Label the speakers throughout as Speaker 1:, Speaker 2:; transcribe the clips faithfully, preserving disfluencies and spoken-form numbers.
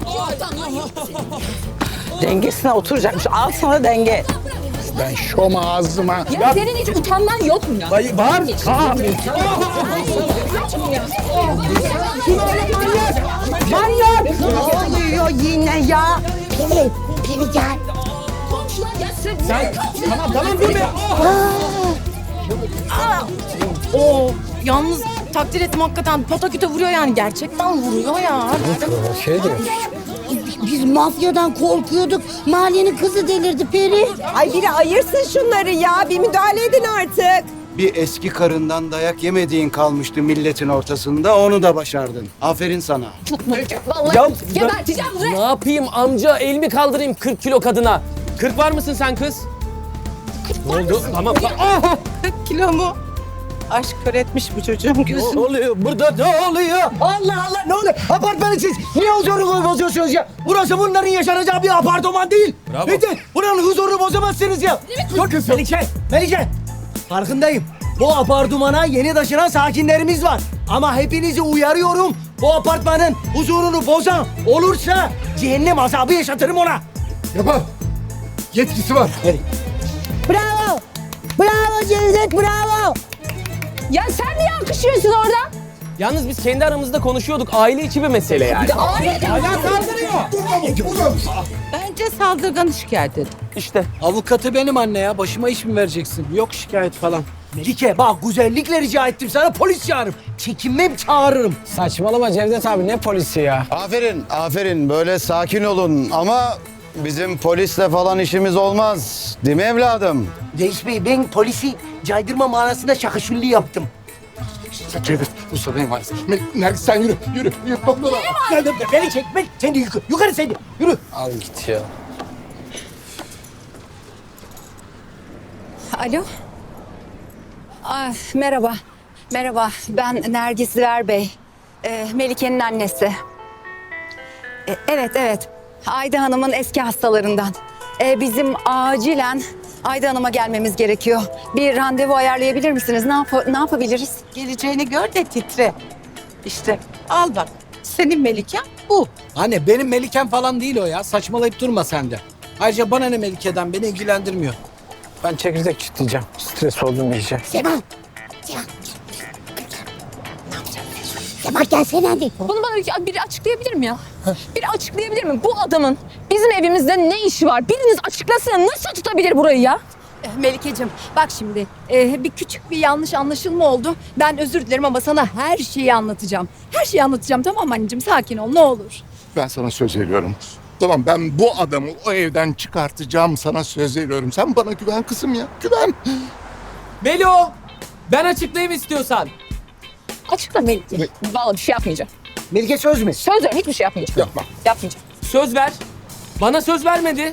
Speaker 1: Dengesine oturacakmış. Al sana denge.
Speaker 2: Ben şom ağzıma.
Speaker 3: Ya, ya senin hiç utanman yok mu ya?
Speaker 2: Dayı var. Kaan.
Speaker 1: Manyak! Ne oluyor yine ya? Peri, Peri gel.
Speaker 3: Komşular ya sen...
Speaker 2: Sen, tamam tamam dur be.
Speaker 4: Oo, yalnız takdir ettim hakikaten pataküte vuruyor yani gerçekten vuruyor ya.
Speaker 2: Şey diyor.
Speaker 5: Biz mafyadan korkuyorduk. Mahallenin kızı delirdi Peri.
Speaker 6: Ay biri ayırsın şunları ya. Bir müdahale edin artık.
Speaker 7: Bir eski karından dayak yemediğin kalmıştı milletin ortasında. Onu da başardın. Aferin sana.
Speaker 3: Vallahi
Speaker 8: Ya,
Speaker 3: geberteceğim
Speaker 8: Ne
Speaker 3: buraya.
Speaker 8: yapayım amca? El mi kaldırayım kırk kilo kadına? kırk var mısın sen kız? Ne oldu? Tamam. Ah!
Speaker 1: Kilo mu? Aşk kör etmiş bu çocuğun gözünü.
Speaker 8: Ne oluyor? Burada ne oluyor?
Speaker 9: Allah Allah ne oluyor? Apartmanı siz niye huzurunu bozuyorsunuz ya? Burası bunların yaşanacağı bir apartman değil.
Speaker 8: Bravo.
Speaker 9: Bitti. Buranın huzurunu bozamazsınız ya. Dur kız Melike, Melike. Farkındayım. Bu apartmana yeni taşınan sakinlerimiz var. Ama hepinizi uyarıyorum. Bu apartmanın huzurunu bozan olursa cehennem azabı yaşatırım ona.
Speaker 2: Yapar. Yetkisi var.
Speaker 5: Bravo. Bravo Cevdet, bravo.
Speaker 3: Ya sen niye alkışlıyorsun orada?
Speaker 8: Yalnız biz kendi aramızda konuşuyorduk. Aile içi bir mesele yani.
Speaker 1: Bence saldırganı şikayet edin.
Speaker 8: İşte.
Speaker 9: Avukatı benim anne ya. Başıma iş mi vereceksin? Yok şikayet falan. Melike bak güzellikle rica ettim sana polis çağırırım. Çekinmem çağırırım.
Speaker 8: Saçmalama Cevdet abi ne polisi ya?
Speaker 7: Aferin, aferin. Böyle sakin olun ama bizim polisle falan işimiz olmaz. Değil mi evladım?
Speaker 9: Reis Bey ben polisi caydırma manasında şakışulli yaptım.
Speaker 2: Cevdet, bu sana emanet. Nergis sen yürü, yürü. Yürü toplala.
Speaker 9: Gel de beni çek, ben, sen de yukarı, yukarı sen de, yürü.
Speaker 8: Al git ya.
Speaker 3: Alo. Ah, merhaba. Merhaba. Ben Nergis Ziver Bey. Ee, Melike'nin annesi. Ee, evet, evet. Ayda Hanım'ın eski hastalarından. Ee, bizim acilen Ayda Hanım'a gelmemiz gerekiyor. Bir randevu ayarlayabilir misiniz? Ne, yap- ne yapabiliriz?
Speaker 1: Geleceğini gör de titre. İşte al bak. Senin Melike bu.
Speaker 9: Anne benim Melikem falan değil o ya, saçmalayıp durma sen de. Ayrıca bana ne Melike'den, beni ilgilendirmiyor.
Speaker 8: Ben çekirdek çitleyeceğim. Stres oldum iyice.
Speaker 5: Seval. Seval. Seval gelsene hadi.
Speaker 3: Bunu bana bir- biri açıklayabilir mi ya? Biri açıklayabilir mi? Bu adamın bizim evimizde ne işi var? Biriniz açıklasın. Nasıl tutabilir burayı ya?
Speaker 10: Melike'cim bak şimdi e, bir küçük bir yanlış anlaşılma oldu. Ben özür dilerim ama sana her şeyi anlatacağım. Her şeyi anlatacağım, tamam mı anneciğim? Sakin ol ne olur.
Speaker 2: Ben sana söz veriyorum. Tamam ben bu adamı o evden çıkartacağım, sana söz veriyorum. Sen bana güven kızım ya, güven.
Speaker 8: Melo! Ben açıklayayım istiyorsan.
Speaker 3: Açıkla Melike. Vallahi bir şey yapmayacağım.
Speaker 9: Melike söz mü?
Speaker 3: Söz veriyorum hiçbir şey yapmayacağım.
Speaker 2: Yapma.
Speaker 3: Yapmayacağım.
Speaker 8: Söz ver. Bana söz vermedi.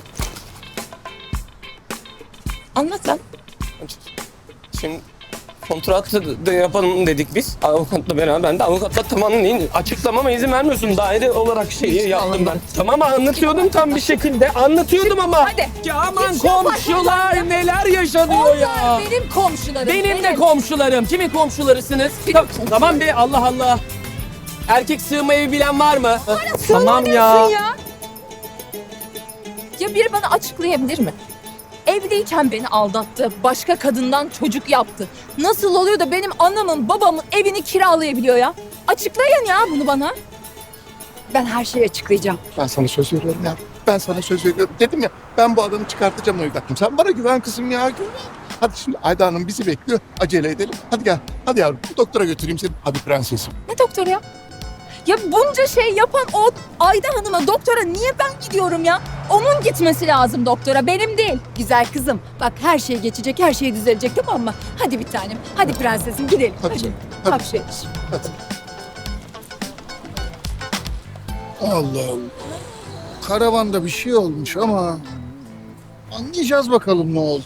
Speaker 3: Anlat lan.
Speaker 8: Şimdi kontrat da yapalım dedik biz. Avukatla beraber. Ben de avukatla tamamlayayım. Açıklamama izin vermiyorsun. Daire olarak şeyi yaptım ben. Tamam anlatıyordum tam bir şekilde. Anlatıyordum ama.
Speaker 3: Hadi.
Speaker 8: Ya aman
Speaker 3: Git şu
Speaker 8: komşular neler yaşanıyor ya.
Speaker 10: Onlar benim komşularım.
Speaker 8: Benim de komşularım. Kimin komşularısınız? Ta- tamam be Allah Allah. Erkek sığma evi bilen var mı? Tamam ya.
Speaker 3: ya. Ya biri bana açıklayabilir mi? Evliyken beni aldattı. Başka kadından çocuk yaptı. Nasıl oluyor da benim anamın babamın evini kiralayabiliyor ya? Açıklayın ya bunu bana.
Speaker 10: Ben her şeyi açıklayacağım.
Speaker 2: Ben sana söz veriyorum ya. Ben sana söz veriyorum. Dedim ya ben bu adamı çıkartacağım o evden. Sen bana güven kızım ya, güven. Hadi şimdi Ayda Hanım bizi bekliyor. Acele edelim. Hadi gel. Hadi yavrum. Doktora götüreyim seni. Hadi prensesim.
Speaker 3: Ne doktoru ya? Ya bunca şey yapan o Ayda Hanım'a doktora niye ben gidiyorum ya? Onun gitmesi lazım doktora, benim değil.
Speaker 10: Güzel kızım bak her şey geçecek, her şey düzelecek, tamam mı? Hadi bir tanem, hadi prensesim gidelim.
Speaker 2: Hadi canım, hadi.
Speaker 10: Hapşeş.
Speaker 2: Hadi. Allah Allah. Karavanda bir şey olmuş ama anlayacağız bakalım ne oldu.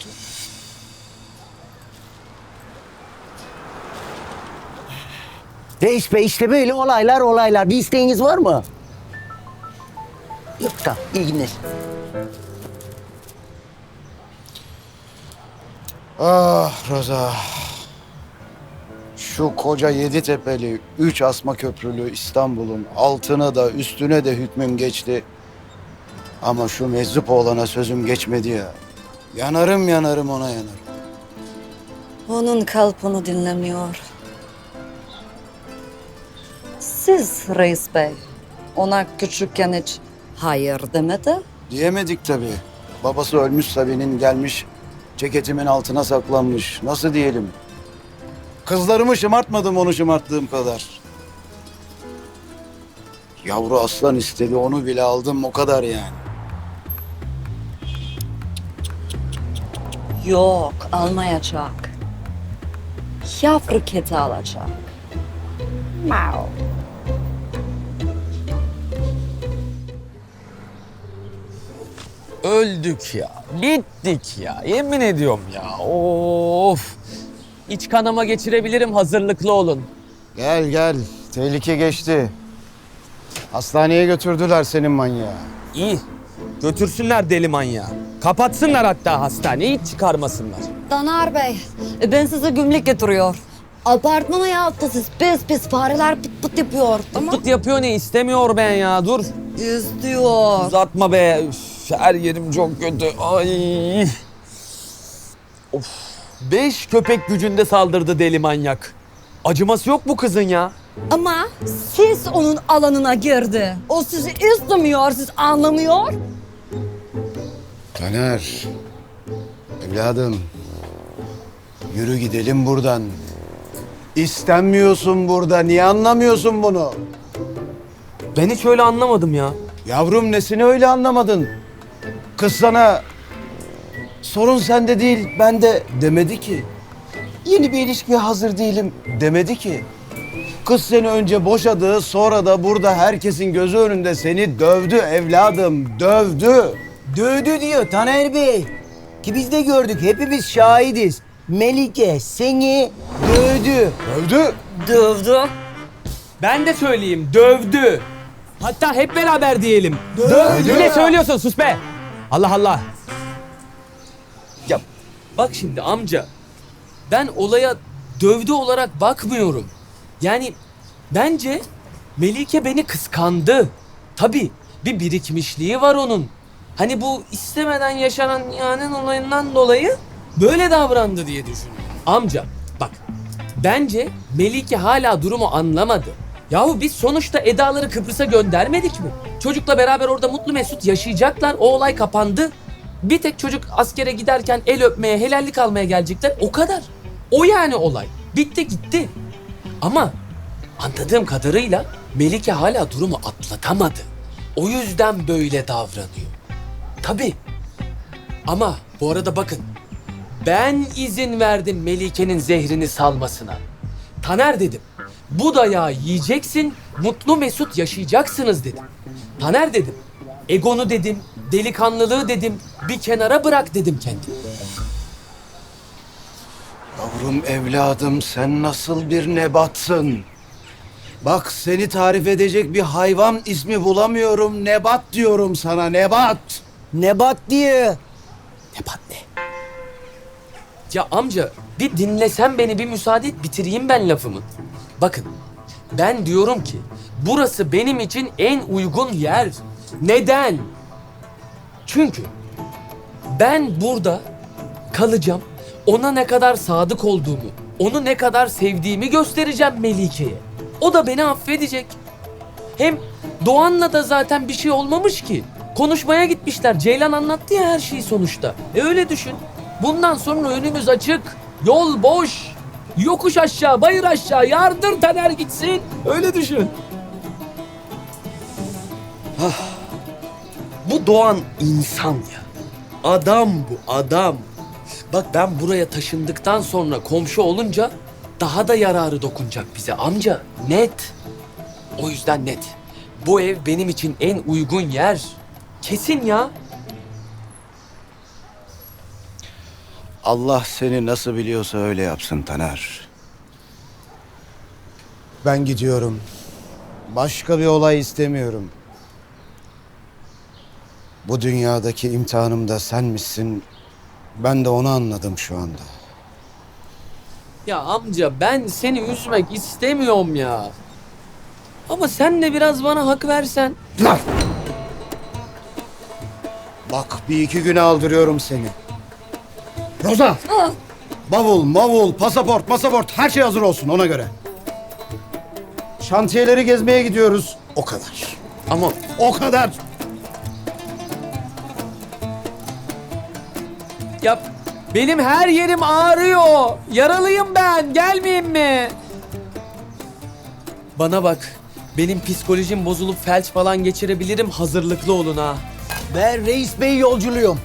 Speaker 9: Reis Bey işte böyle olaylar olaylar. Bir isteğiniz var mı? Yok tamam, iyi günler.
Speaker 7: Ah Roza. şu koca yedi tepeli, üç asma köprülü İstanbul'un altına da üstüne de hükmüm geçti. Ama şu meczup oğlana sözüm geçmedi ya. Yanarım yanarım ona yanarım.
Speaker 3: Onun kalp onu dinlemiyor. Siz reis bey ona küçükken hiç hayır demedi.
Speaker 7: Diyemedik tabii. Babası ölmüş Sabi'nin, gelmiş ceketimin altına saklanmış. Nasıl diyelim? Kızlarımı şımartmadım onu şımarttığım kadar. Yavru aslan istedi, onu bile aldım, o kadar yani.
Speaker 3: Yok, almayacak. Yavru kedi alacak. Mau.
Speaker 8: Öldük ya. Bittik ya. Yemin ediyorum ya. Of. İç kanama geçirebilirim, hazırlıklı olun.
Speaker 7: Gel gel, tehlike geçti. Hastaneye götürdüler senin manyağı.
Speaker 8: İyi. Götürsünler deli manyağı. Kapatsınlar hatta hastaneyi, hiç çıkarmasınlar.
Speaker 3: Taner Bey, ben size gümrük getiriyor. Apartmana yaptı siz pis pis fareler pıt pıt yapıyor. Tamam.
Speaker 8: Tut yapıyor ne istemiyor ben ya, dur.
Speaker 3: İstiyor.
Speaker 8: Uzatma be. Üf, her yerim çok kötü. Ay. Of. Beş köpek gücünde saldırdı deli manyak. Acıması yok bu kızın ya.
Speaker 3: Ama siz onun alanına girdi. O sizi istemiyor, siz anlamıyor.
Speaker 7: Taner, evladım, yürü gidelim buradan. İstenmiyorsun burada, niye anlamıyorsun bunu?
Speaker 8: Ben hiç öyle anlamadım ya.
Speaker 7: Yavrum nesini öyle anlamadın? Kız sana sorun sende değil, ben de demedi ki. Yeni bir ilişkiye hazır değilim demedi ki. Kız seni önce boşadı, sonra da burada herkesin gözü önünde seni dövdü evladım, dövdü.
Speaker 9: Dövdü diyor Taner Bey. Ki biz de gördük, hepimiz şahidiz. Melike seni dövdü.
Speaker 7: Dövdü.
Speaker 3: Dövdü.
Speaker 8: Ben de söyleyeyim, dövdü. Hatta hep beraber diyelim.
Speaker 7: Dövdü.
Speaker 8: Ne söylüyorsun, sus be. Allah Allah. Ya bak şimdi amca, ben olaya dövdü olarak bakmıyorum. Yani bence Melike beni kıskandı. Tabii bir birikmişliği var onun. Hani bu istemeden yaşanan yani olayından dolayı böyle davrandı diye düşünüyorum. Amca bak, bence Melike hala durumu anlamadı. Yahu biz sonuçta Eda'ları Kıbrıs'a göndermedik mi? Çocukla beraber orada mutlu mesut yaşayacaklar. O olay kapandı. Bir tek çocuk askere giderken el öpmeye, helallik almaya gelecekler. O kadar. O yani olay. Bitti gitti. Ama anladığım kadarıyla Melike hala durumu atlatamadı. O yüzden böyle davranıyor. Tabii. Ama bu arada bakın. Ben izin verdim Melike'nin zehrini salmasına. Taner dedim. Bu dayağı yiyeceksin, mutlu mesut yaşayacaksınız dedim. Taner dedim. Egonu dedim, delikanlılığı dedim, bir kenara bırak dedim kendimi.
Speaker 7: Yavrum evladım sen nasıl bir nebatsın? Bak seni tarif edecek bir hayvan ismi bulamıyorum. Nebat diyorum sana, nebat.
Speaker 9: Nebat diye.
Speaker 8: Nebat ne? Ya amca bir dinlesen beni, bir müsaade et bitireyim ben lafımı. Bakın ben diyorum ki burası benim için en uygun yer. Neden? Çünkü ben burada kalacağım. Ona ne kadar sadık olduğumu, onu ne kadar sevdiğimi göstereceğim Melike'ye. O da beni affedecek. Hem Doğan'la da zaten bir şey olmamış ki. Konuşmaya gitmişler. Ceylan anlattı ya her şeyi sonuçta. E öyle düşün. Bundan sonra önümüz açık. Yol boş. Yokuş aşağı, bayır aşağı. Yardır Taner gitsin. Öyle düşün. Ah. Bu Doğan insan ya. Adam bu, adam. Bak ben buraya taşındıktan sonra komşu olunca daha da yararı dokunacak bize amca. Net. O yüzden net. Bu ev benim için en uygun yer. Kesin ya.
Speaker 7: Allah seni nasıl biliyorsa öyle yapsın Taner. Ben gidiyorum. Başka bir olay istemiyorum. Bu dünyadaki imtihanım da sen misin? Ben de onu anladım şu anda.
Speaker 8: Ya amca ben seni üzmek istemiyorum ya. Ama sen de biraz bana hak versen.
Speaker 7: Lan! Bak bir iki güne aldırıyorum seni. Roza! Bavul, mavul, pasaport, pasaport her şey hazır olsun ona göre. Şantiyeleri gezmeye gidiyoruz. O kadar.
Speaker 8: Ama
Speaker 7: O kadar.
Speaker 8: ya benim her yerim ağrıyor. Yaralıyım ben. Gelmeyeyim mi? Bana bak. Benim psikolojim bozulup felç falan geçirebilirim. Hazırlıklı olun ha.
Speaker 9: Ben reis bey yolculuğum.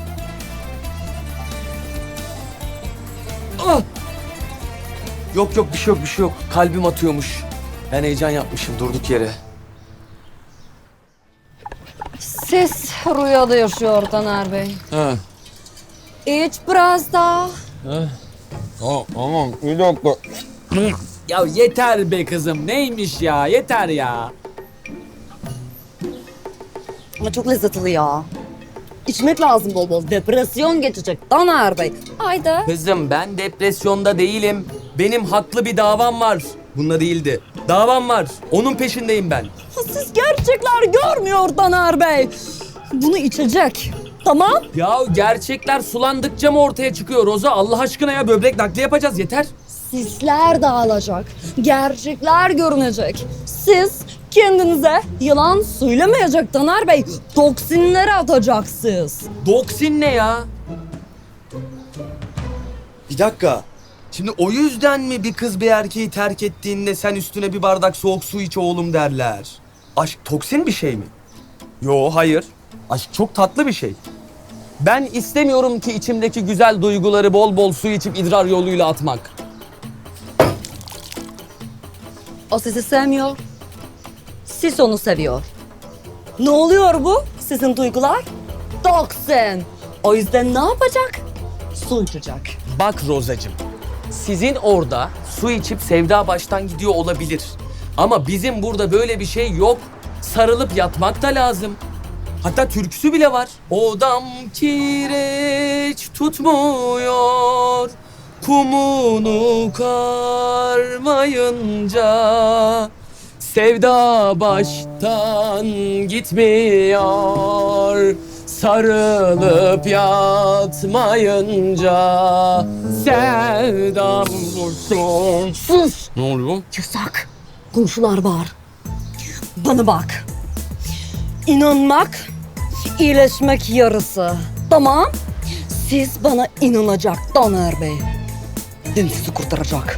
Speaker 8: Ah! Yok yok bir şey yok bir şey yok. Kalbim atıyormuş. Ben heyecan yapmışım durduk yere.
Speaker 3: Siz rüyada yaşıyor Taner Bey.
Speaker 8: Ha.
Speaker 3: İç biraz daha.
Speaker 8: Tamam, tamam. Bir dakika. Ya yeter be kızım. Neymiş ya? Yeter ya.
Speaker 3: Ama çok lezzetli ya. İçmek lazım bol bol. Depresyon geçecek Taner Bey. Haydi.
Speaker 8: Kızım ben depresyonda değilim. Benim haklı bir davam var. Bunda değildi. Davam var. Onun peşindeyim ben.
Speaker 3: Siz gerçekler görmüyor Taner Bey. Bunu içecek. Tamam.
Speaker 8: Ya gerçekler sulandıkça mı ortaya çıkıyor Roza? Allah aşkına ya böbrek nakli yapacağız yeter.
Speaker 3: Sisler dağılacak. Gerçekler görünecek. Siz kendinize yalan söylemeyecek Taner Bey. Toksinleri atacaksınız.
Speaker 8: Doksin ne ya? Bir dakika. Şimdi o yüzden mi bir kız bir erkeği terk ettiğinde sen üstüne bir bardak soğuk su iç oğlum derler? Aşk toksin bir şey mi? Yo hayır. Aşk çok tatlı bir şey. Ben istemiyorum ki içimdeki güzel duyguları bol bol su içip idrar yoluyla atmak.
Speaker 3: O sizi sevmiyor. Siz onu seviyor. Ne oluyor bu? Sizin duygular? Toksin. O yüzden ne yapacak? Su içecek.
Speaker 8: Bak Rozacığım, sizin orada su içip sevda baştan gidiyor olabilir. Ama bizim burada böyle bir şey yok. Sarılıp yatmak da lazım. Hatta türküsü bile var. Odam kireç tutmuyor, kumunu karmayınca. Sevda baştan gitmiyor, sarılıp yatmayınca. Sevdam vursun.
Speaker 3: Sus!
Speaker 8: Ne oluyor?
Speaker 3: Yasak. Komşular var. Bana bak. İnanmak, iyileşmek yarısı. Tamam. Siz bana inanacak Taner Bey. Ben sizi kurtaracak.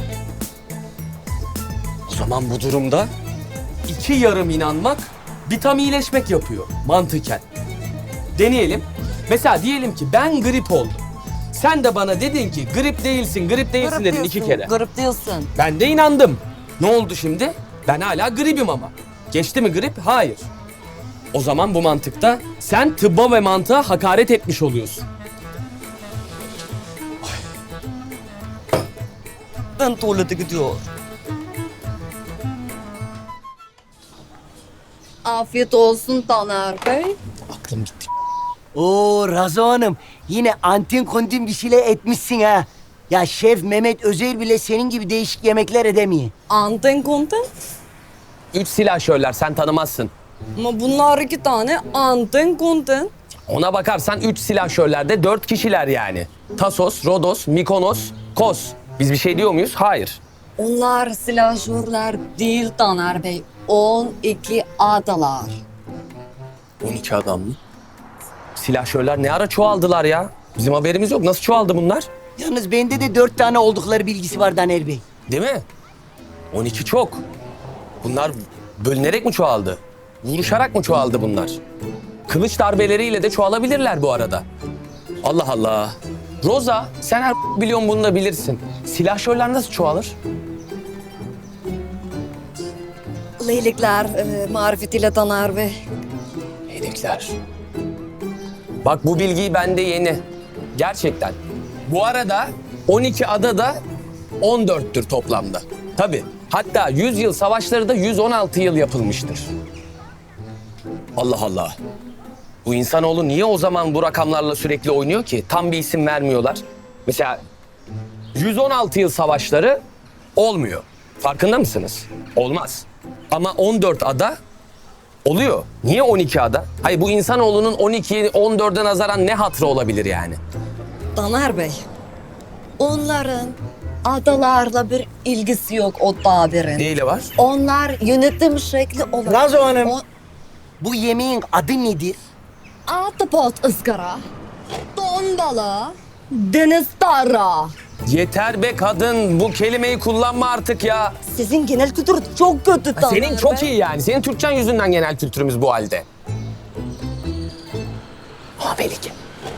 Speaker 8: O zaman bu durumda iki yarım inanmak bir tam iyileşmek yapıyor mantıken. Deneyelim. Mesela diyelim ki ben grip oldum. Sen de bana dedin ki grip değilsin, grip değilsin dedin iki kere.
Speaker 3: Garip diyorsun.
Speaker 8: Ben de inandım. Ne oldu şimdi? Ben hala gripim ama. Geçti mi grip? Hayır. O zaman bu mantıkta sen tıbba ve mantığa hakaret etmiş oluyorsun.
Speaker 3: Ben tuvalete gidiyor. Afiyet olsun Taner Bey.
Speaker 8: Aklım gitti.
Speaker 9: Oo Razo Hanım yine antin kontin bir şeyler etmişsin ha. Ya şef Mehmet Özel bile senin gibi değişik yemekler edemiyor.
Speaker 3: Anten konten.
Speaker 8: Üç silahşörler sen tanımazsın.
Speaker 3: Ama bunlar iki tane anten konten.
Speaker 8: Ona bakarsan üç silahşörlerde dört kişiler yani. Tasos, Rodos, Mikonos, Kos. Biz bir şey diyor muyuz? Hayır.
Speaker 3: Onlar silahşörler değil Taner Bey. on iki adalar.
Speaker 8: on iki adam mı? Silahşörler ne ara çoğaldılar ya? Bizim haberimiz yok. Nasıl çoğaldı bunlar?
Speaker 9: Yalnız bende de dört tane oldukları bilgisi var Taner Bey.
Speaker 8: Değil mi? on iki çok. Bunlar bölünerek mi çoğaldı? Vuruşarak mı çoğaldı bunlar? Kılıç darbeleriyle de çoğalabilirler bu arada. Allah Allah. Roza, sen her biliyorsun bunu da bilirsin. Silahşörler nasıl çoğalır?
Speaker 3: Leylikler e, marifetiyle Taner Bey.
Speaker 8: Hedefler. Bak bu bilgiyi bende yeni. Gerçekten. Bu arada on iki ada da on dörttür toplamda. Tabii. Hatta yüz yıl savaşları da yüz on altı yıl yapılmıştır. Allah Allah. Bu insanoğlu niye o zaman bu rakamlarla sürekli oynuyor ki? Tam bir isim vermiyorlar. Mesela yüz on altı yıl savaşları olmuyor. Farkında mısınız? Olmaz. Ama on dört ada oluyor. Niye on iki ada? Hayır, bu insanoğlunun on ikiye on dörde nazaran ne hatrı olabilir yani?
Speaker 11: Taner Bey, onların adalarla bir ilgisi yok o tabirin.
Speaker 8: Neyle var?
Speaker 11: Onlar yönetim şekli olarak...
Speaker 9: Nazo Hanım.
Speaker 11: O-
Speaker 9: Bu yemeğin adı nedir?
Speaker 11: Ahtapot ızgara, don balığı, deniz tara.
Speaker 8: Yeter be kadın, bu kelimeyi kullanma artık ya.
Speaker 11: Sizin genel kültür çok kötü Taner
Speaker 8: Senin çok
Speaker 11: Bey.
Speaker 8: iyi yani. Senin Türkçen yüzünden genel kültürümüz bu halde. Ha Melike.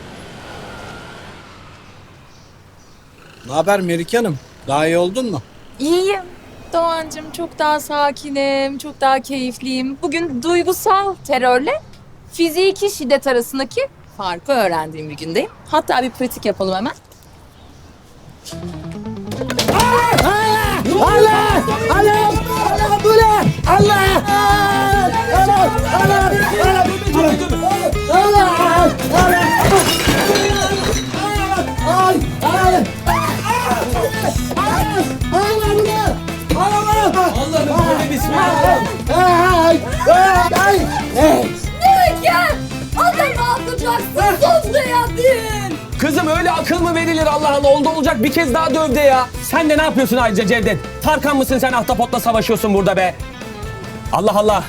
Speaker 9: Ne haber Melike Hanım? Daha iyi oldun mu?
Speaker 4: İyiyim. Doğancığım çok daha sakinim, çok daha keyifliyim. Bugün duygusal terörle fiziki şiddet arasındaki farkı öğrendiğim bir gündeyim. Hatta bir pratik yapalım hemen.
Speaker 9: Allah! Allah! Allah bu ne? Allah! Allah! Allah! Allah! Allah! Allah! Ay! Ay! Allah bu ne? Allah!
Speaker 8: Allah'ım böyle bismillah.
Speaker 9: Ay! Ay! Ay!
Speaker 11: Melike! Adam ne yapacaksın? Sus değil.
Speaker 8: Kızım öyle akıl mı verilir Allah Allah? Oldu olacak bir kez daha dövde ya. Sen de ne yapıyorsun ayrıca Cevdet? Tarkan mısın sen, ahtapotla savaşıyorsun burada be? Allah Allah.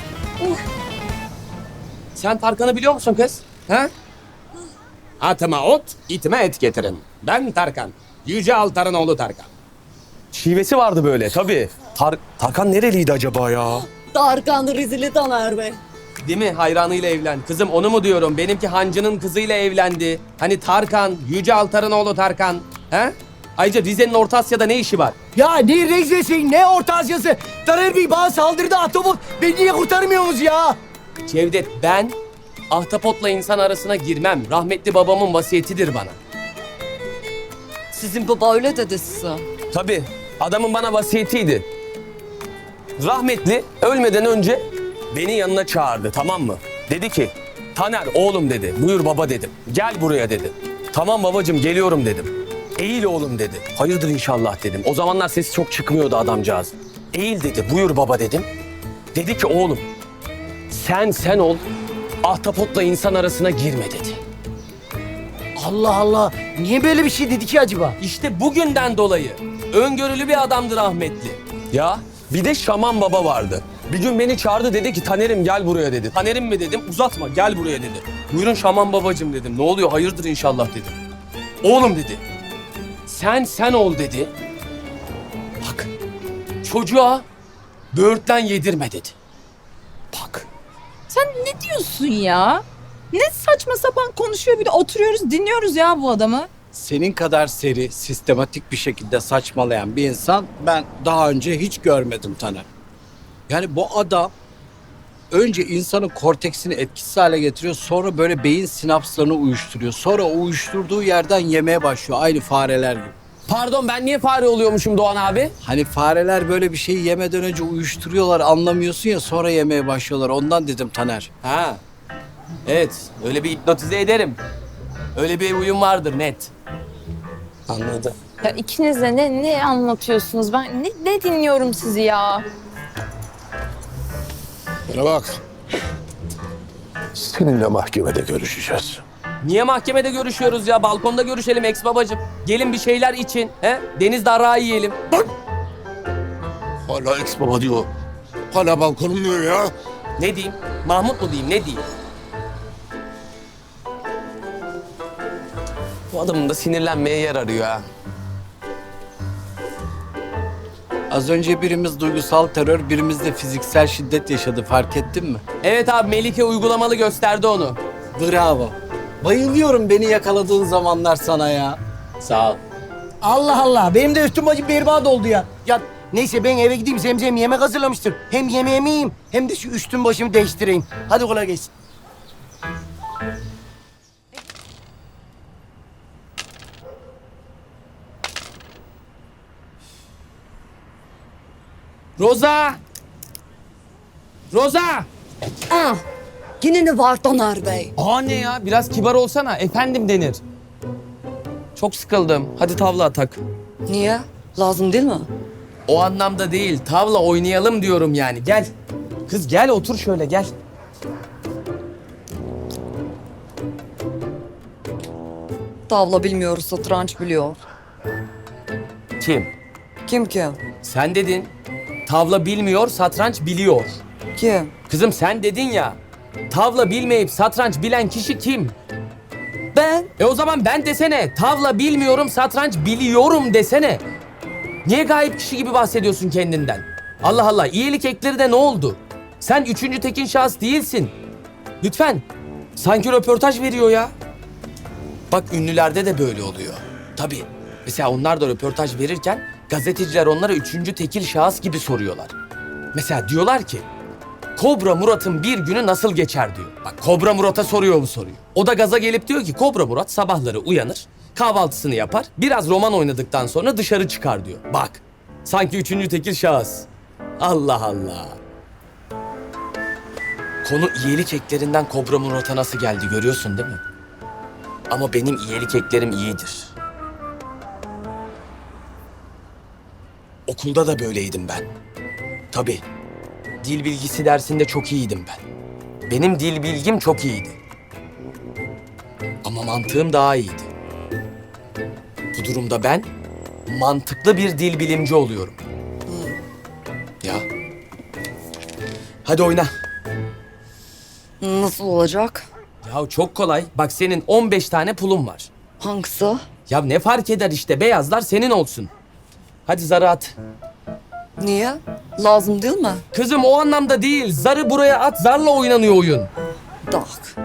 Speaker 8: Sen Tarkan'ı biliyor musun kız? Ha? Atıma ot, itime et getirin. Ben Tarkan. Yüce Altar'ın oğlu Tarkan. Şivesi vardı böyle tabii. Tar Tarkan nereliydi acaba ya?
Speaker 11: Tarkan Rizili Taner Bey.
Speaker 8: Değil mi? Hayranıyla evlen. Kızım onu mu diyorum? Benimki hancının kızıyla evlendi. Hani Tarkan, Yüce Altar'ın oğlu Tarkan. He? Ayrıca Rize'nin Orta Asya'da ne işi var?
Speaker 9: Ya ne Rize'si ne Orta Asya'sı? Taner Bey bana saldırdı ahtapot. Beni niye kurtarmıyorsunuz ya?
Speaker 8: Cevdet, ben ahtapotla insan arasına girmem. Rahmetli babamın vasiyetidir bana.
Speaker 11: Sizin baba öyle dedi size.
Speaker 8: Tabii. Adamın bana vasiyetiydi. Rahmetli ölmeden önce beni yanına çağırdı, tamam mı? Dedi ki, Taner oğlum dedi. Buyur baba dedim. Gel buraya dedi. Tamam babacığım geliyorum dedim. Eğil oğlum dedi. Hayırdır inşallah dedim. O zamanlar sesi çok çıkmıyordu adamcağız. Eğil dedi. Buyur baba dedim. Dedi ki oğlum sen sen ol. Ahtapotla insan arasına girme dedi.
Speaker 9: Allah Allah. Niye böyle bir şey dedi ki acaba?
Speaker 8: İşte bugünden dolayı öngörülü bir adamdı rahmetli. Ya bir de Şaman Baba vardı. Bir gün beni çağırdı, dedi ki Taner'im gel buraya dedi. Taner'im mi dedim, uzatma gel buraya dedi. Buyurun Şaman Babacığım dedim. Ne oluyor hayırdır inşallah dedim. Oğlum dedi. Sen sen ol dedi. Bak çocuğa böğürtlen yedirme dedi. Bak.
Speaker 4: Sen ne diyorsun ya? Ne saçma sapan konuşuyor, bir de oturuyoruz dinliyoruz ya bu adamı.
Speaker 12: Senin kadar seri, sistematik bir şekilde saçmalayan bir insan ben daha önce hiç görmedim Taner. Yani bu adam önce insanın korteksini etkisiz hale getiriyor, sonra böyle beyin sinapslarını uyuşturuyor. Sonra o uyuşturduğu yerden yemeye başlıyor, aynı fareler gibi.
Speaker 8: Pardon, ben niye fare oluyormuşum Doğan abi?
Speaker 12: Hani fareler böyle bir şeyi yemeden önce uyuşturuyorlar, anlamıyorsun ya, sonra yemeye başlıyorlar. Ondan dedim Taner.
Speaker 8: Ha. Evet, öyle bir hipnotize ederim. Öyle bir uyum vardır net. Anladım.
Speaker 4: Ya ikiniz de ne, ne anlatıyorsunuz? Ben ne, ne dinliyorum sizi ya?
Speaker 2: Bana bak. Seninle mahkemede görüşeceğiz.
Speaker 8: Niye mahkemede görüşüyoruz ya? Balkonda görüşelim ex babacığım. Gelin bir şeyler için. He? Deniz darağı yiyelim.
Speaker 2: Hala ex baba diyor. Hala balkonum diyor ya.
Speaker 8: Ne diyeyim? Mahmut mu diyeyim? Ne diyeyim? Bu adamın da sinirlenmeye yer arıyor ha.
Speaker 12: Az önce birimiz duygusal terör, birimiz de fiziksel şiddet yaşadı. Fark ettin mi?
Speaker 8: Evet abi, Melike uygulamalı gösterdi onu.
Speaker 12: Bravo. Bayılıyorum beni yakaladığın zamanlar sana ya.
Speaker 8: Sağ ol.
Speaker 9: Allah Allah. Benim de üstüm acı berbat oldu ya. Ya neyse ben eve gideyim. Zemzem yemek hazırlamıştır. Hem yemeğimi yiyeyim hem de şu üstüm başımı değiştireyim. Hadi kolay gelsin.
Speaker 8: Roza! Roza!
Speaker 11: Ah, yine ne var Taner Bey?
Speaker 8: Aa ne ya? Biraz kibar olsana. Efendim denir. Çok sıkıldım. Hadi tavla atak.
Speaker 11: Niye? Lazım değil mi?
Speaker 8: O anlamda değil. Tavla oynayalım diyorum yani. Gel. Kız gel otur şöyle gel.
Speaker 11: Tavla bilmiyor, satranç biliyor.
Speaker 8: Kim?
Speaker 11: Kim kim?
Speaker 8: Sen dedin. Tavla bilmiyor, satranç biliyor.
Speaker 11: Kim?
Speaker 8: Kızım sen dedin ya. Tavla bilmeyip satranç bilen kişi kim?
Speaker 11: Ben.
Speaker 8: E o zaman ben desene. Tavla bilmiyorum, satranç biliyorum desene. Niye gayip kişi gibi bahsediyorsun kendinden? Allah Allah, iyilik ekleri de ne oldu? Sen üçüncü tekin şahıs değilsin. Lütfen. Sanki röportaj veriyor ya. Bak ünlülerde de böyle oluyor. Tabii. Mesela onlar da röportaj verirken gazeteciler onlara üçüncü tekil şahıs gibi soruyorlar. Mesela diyorlar ki Kobra Murat'ın bir günü nasıl geçer diyor. Bak Kobra Murat'a soruyor bu soruyu. O da gaza gelip diyor ki Kobra Murat sabahları uyanır, kahvaltısını yapar, biraz roman oynadıktan sonra dışarı çıkar diyor. Bak sanki üçüncü tekil şahıs. Allah Allah. Konu iyilik eklerinden Kobra Murat'a nasıl geldi görüyorsun değil mi? Ama benim iyilik eklerim iyidir. Okulda da böyleydim ben. Tabii. Dil bilgisi dersinde çok iyiydim ben. Benim dil bilgim çok iyiydi. Ama mantığım daha iyiydi. Bu durumda ben mantıklı bir dil bilimci oluyorum. Ya. Hadi oyna.
Speaker 11: Nasıl olacak?
Speaker 8: Ya çok kolay. Bak senin on beş tane pulun var.
Speaker 11: Hangisi?
Speaker 8: Ya ne fark eder işte beyazlar senin olsun. Hadi zarı at.
Speaker 11: Niye? Lazım değil mi?
Speaker 8: Kızım o anlamda değil. Zarı buraya at, zarla oynanıyor oyun.
Speaker 11: Tak.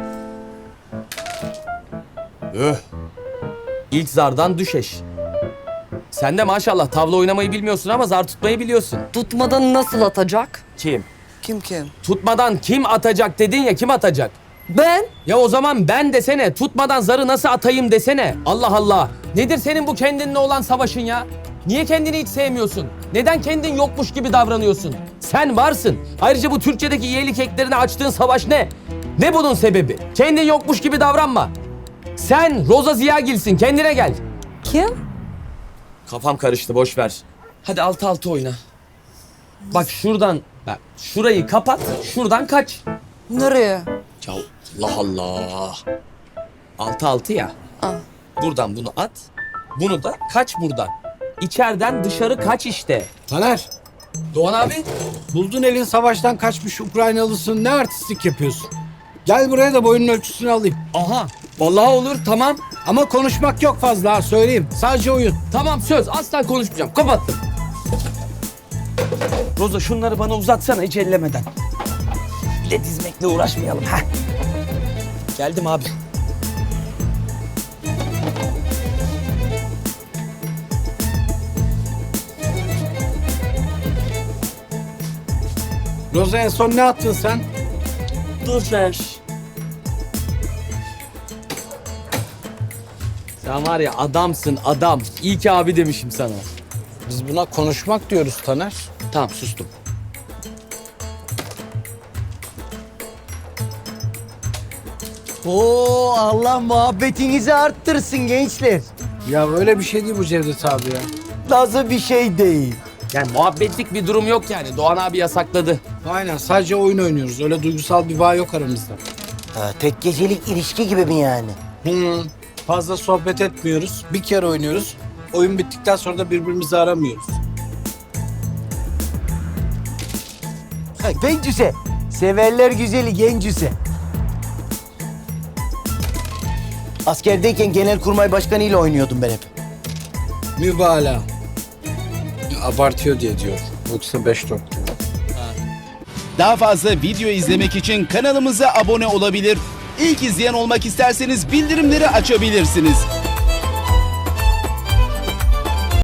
Speaker 8: Öh. İlk zardan düşeş. Sen de maşallah tavla oynamayı bilmiyorsun ama zar tutmayı biliyorsun.
Speaker 11: Tutmadan nasıl atacak?
Speaker 8: Kim?
Speaker 11: Kim kim?
Speaker 8: Tutmadan kim atacak dedin ya, kim atacak?
Speaker 11: Ben.
Speaker 8: Ya o zaman ben desene, tutmadan zarı nasıl atayım desene. Allah Allah. Nedir senin bu kendinle olan savaşın ya? Niye kendini hiç sevmiyorsun? Neden kendin yokmuş gibi davranıyorsun? Sen varsın. Ayrıca bu Türkçedeki iyilik eklerine açtığın savaş ne? Ne bunun sebebi? Kendin yokmuş gibi davranma. Sen Roza Ziyagil'sin, kendine gel.
Speaker 11: Kim?
Speaker 8: Kafam karıştı, boş ver. Hadi altı altı oyna. Bak şuradan, bak şurayı kapat, şuradan kaç.
Speaker 11: Nereye?
Speaker 8: Ya Allah Allah. Altı altı ya.
Speaker 11: Aa.
Speaker 8: Buradan bunu at, bunu da kaç buradan. İçeriden dışarı kaç işte.
Speaker 12: Taner,
Speaker 8: Doğan abi.
Speaker 12: buldun elin savaştan kaçmış Ukraynalısın. Ne artistlik yapıyorsun? Gel buraya da boyunun ölçüsünü alayım.
Speaker 8: Aha, vallahi olur, tamam.
Speaker 12: Ama konuşmak yok fazla ha, söyleyeyim. Sadece oyun.
Speaker 8: Tamam söz, asla konuşmayacağım. Kapattım. Roza şunları bana uzatsana hiç ellemeden. Bir de dizmekle uğraşmayalım. Heh. Geldim abi.
Speaker 12: Roza en son ne attın sen?
Speaker 8: Dur ver. Sen var ya adamsın adam. İyi ki abi demişim sana.
Speaker 12: Biz buna konuşmak diyoruz Taner.
Speaker 8: Tamam sustum.
Speaker 9: Oo, Allah muhabbetinizi arttırsın gençler.
Speaker 12: Ya öyle bir şey değil bu Cevdet abi ya.
Speaker 9: Nasıl bir şey değil.
Speaker 8: Yani muhabbetlik bir durum yok yani. Doğan abi yasakladı.
Speaker 12: Aynen, sadece oyun oynuyoruz. Öyle duygusal bir bağ yok aramızda.
Speaker 9: Ha, tek gecelik ilişki gibi mi yani?
Speaker 12: Hı. Fazla sohbet etmiyoruz. Bir kere oynuyoruz. Oyun bittikten sonra da birbirimizi aramıyoruz.
Speaker 9: Ha, gencüse. Severler güzeli gencüse. Askerdeyken Genelkurmay Başkanı ile oynuyordum ben hep.
Speaker 12: Mübalağa. Abartıyor diye diyor. Yoksa beş dört diyor.
Speaker 13: Daha fazla video izlemek için kanalımıza abone olabilir. İlk izleyen olmak isterseniz bildirimleri açabilirsiniz.